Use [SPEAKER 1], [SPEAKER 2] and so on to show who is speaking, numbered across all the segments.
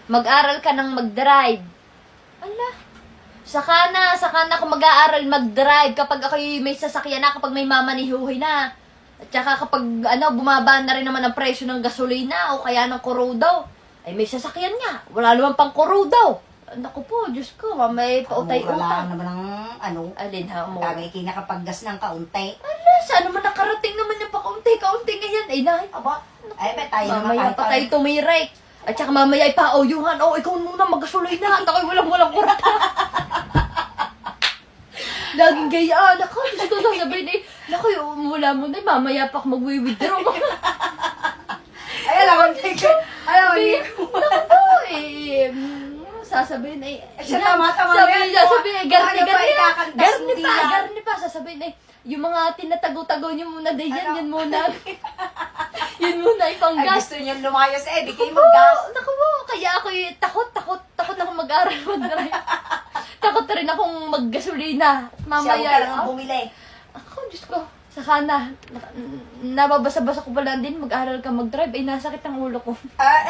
[SPEAKER 1] Mag-aral ka ng mag-drive. Ala. Saka na ako mag-aaral mag-drive kapag ako'y may sasakyan na, kapag may mamanihuhi na. At saka kapag bumaba na rin naman ang presyo ng gasolina o kaya ng kurudaw, ay may sasakyan nga. Wala naman pang kurudaw. Naku po, Diyos ko, may pautay-utay.
[SPEAKER 2] Mura lang naman ang
[SPEAKER 1] Alin ha mo?
[SPEAKER 2] tagay kinakapaggas ng kaunti.
[SPEAKER 1] Ala, saan naman nakarating naman yung pakaunti-kaunti ngayon? Ay, nahay.
[SPEAKER 2] Aba, ay ba tayo naman
[SPEAKER 1] Mamaya pa tayo tumirek. At saka mamaya ipa-oyuhan. Oh, ikaw muna mag-gasolina. At ako'y walang kurata. Laging gayaan. Ako, gusto ko sasabihin eh. Naku, mula mo na, mamaya pa ako mag-withdraw.
[SPEAKER 2] Ay, alam mo,
[SPEAKER 1] Naku po eh. Sasabihin eh.
[SPEAKER 2] Siya tama-tama
[SPEAKER 1] Sabihin
[SPEAKER 2] yan.
[SPEAKER 1] sabihin, garni
[SPEAKER 2] Ano ba ikakantas mo din yan?
[SPEAKER 1] garni pa. Sasabihin eh, yung mga tinatago-tago niyo muna din yan,
[SPEAKER 2] Ano?
[SPEAKER 1] yun muna. Yun muna,
[SPEAKER 2] Ay,
[SPEAKER 1] ipanggas.
[SPEAKER 2] gusto niyo lumayas di kayo maggas.
[SPEAKER 1] Naku po, kaya ako takot ako mag-aral mag-drive. Takot rin akong mag-gasolina.
[SPEAKER 2] Siya, huwag ka lang
[SPEAKER 1] Mamaya,
[SPEAKER 2] bumili.
[SPEAKER 1] ako, Diyos ko, saka na, nababasa-basa ko pala din, mag-aral ka mag-drive, ay nasakit ang ulo ko.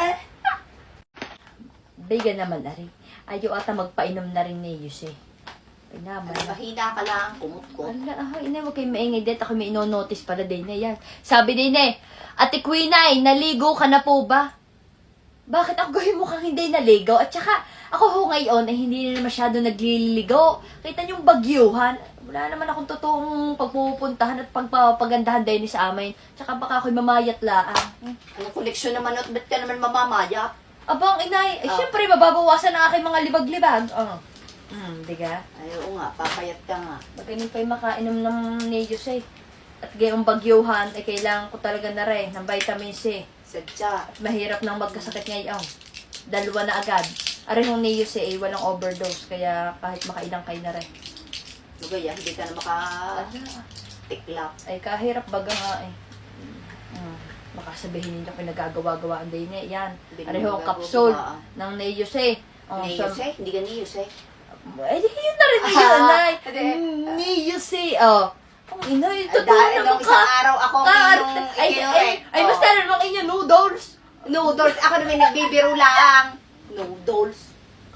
[SPEAKER 1] Biga naman na rin. Ayaw ata magpainom na rin ni Yuse. Ay naman.
[SPEAKER 2] Mahina ka lang, kumot ko.
[SPEAKER 1] Ala, ina, huwag kayo maingay dito. Ako may ino-notice pala din na yan. Sabi din eh, Ate Quinay, naligo ka na po ba? Bakit ako gawin mukhang hindi naligo? At saka, ako ho ngayon ay hindi na masyado nagliligo. Kita niyong bagyuhan. Wala naman akong totoong pagpupuntahan at pagpapagandahan din sa amin. Tsaka baka ako'y mamayat laan.
[SPEAKER 2] Anong koleksyon naman at ba't ka naman mamamaya?
[SPEAKER 1] Abang inay, syempre mababawasan ang aking mga libag-libag. Diga?
[SPEAKER 2] Ay, oo nga, papayat ka nga.
[SPEAKER 1] Magaling pa'y makainom ng Neos eh. At gayong bagyuhan, ay kailangan ko talaga na rin ng vitamin C.
[SPEAKER 2] Sadya.
[SPEAKER 1] At mahirap nang magkasakit ngayon. Dalawa na agad. Arin yung Neos eh, walang overdose. Kaya kahit makailang kayo na rin.
[SPEAKER 2] Lugaya, hindi ka na makatiklap.
[SPEAKER 1] Ay kahirap baga nga eh. Baka sabihin ninyo pinagagawa-gawaan din eh. Yan. Arin yung capsule ng Neos eh.
[SPEAKER 2] Niyos eh? Hindi ka niyos eh.
[SPEAKER 1] Eh, yun na rin yun, Nay. Neos eh. Oh. Ang inay, totoo
[SPEAKER 2] Dahil
[SPEAKER 1] naman
[SPEAKER 2] nung isang araw ako minong
[SPEAKER 1] ay, mas tala naman inyo, noodles.
[SPEAKER 2] Noodles. Ako naman nagbibiro lang. Noodles.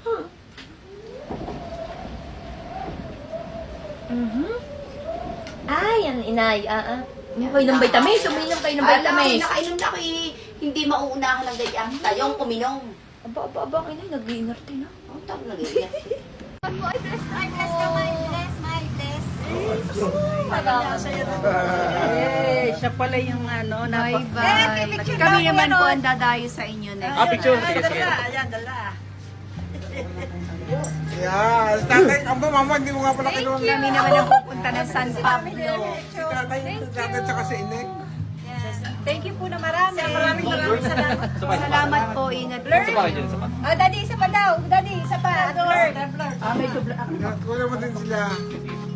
[SPEAKER 1] Ay, yan, inay. Uminom kayo ng vitamins. Uminom kayo ng vitamins.
[SPEAKER 2] Nakainom na ako eh. Hindi mauunahan ng ganyan. Tayong kuminom.
[SPEAKER 1] Aba, inay, nag-iinarte na.
[SPEAKER 2] Ang tawag na ganyan.
[SPEAKER 3] Siya pala yung
[SPEAKER 4] Bye-bye. Kami naman po ang dadayo sa inyo next.
[SPEAKER 3] picture. Sige.
[SPEAKER 4] Ayan, dala.
[SPEAKER 5] Yeah, tatay, aba mama, hindi mo nga pala kinuha ng
[SPEAKER 4] Kami naman ang pupunta ng San Pablo.
[SPEAKER 5] tatay tsaka si Inek.
[SPEAKER 4] Thank you po na marami. Maraming salamat. Salamat po. Ingat po.
[SPEAKER 3] Daddy, isa pa daw. Daddy, isa pa.
[SPEAKER 5] Kuya mo din sila.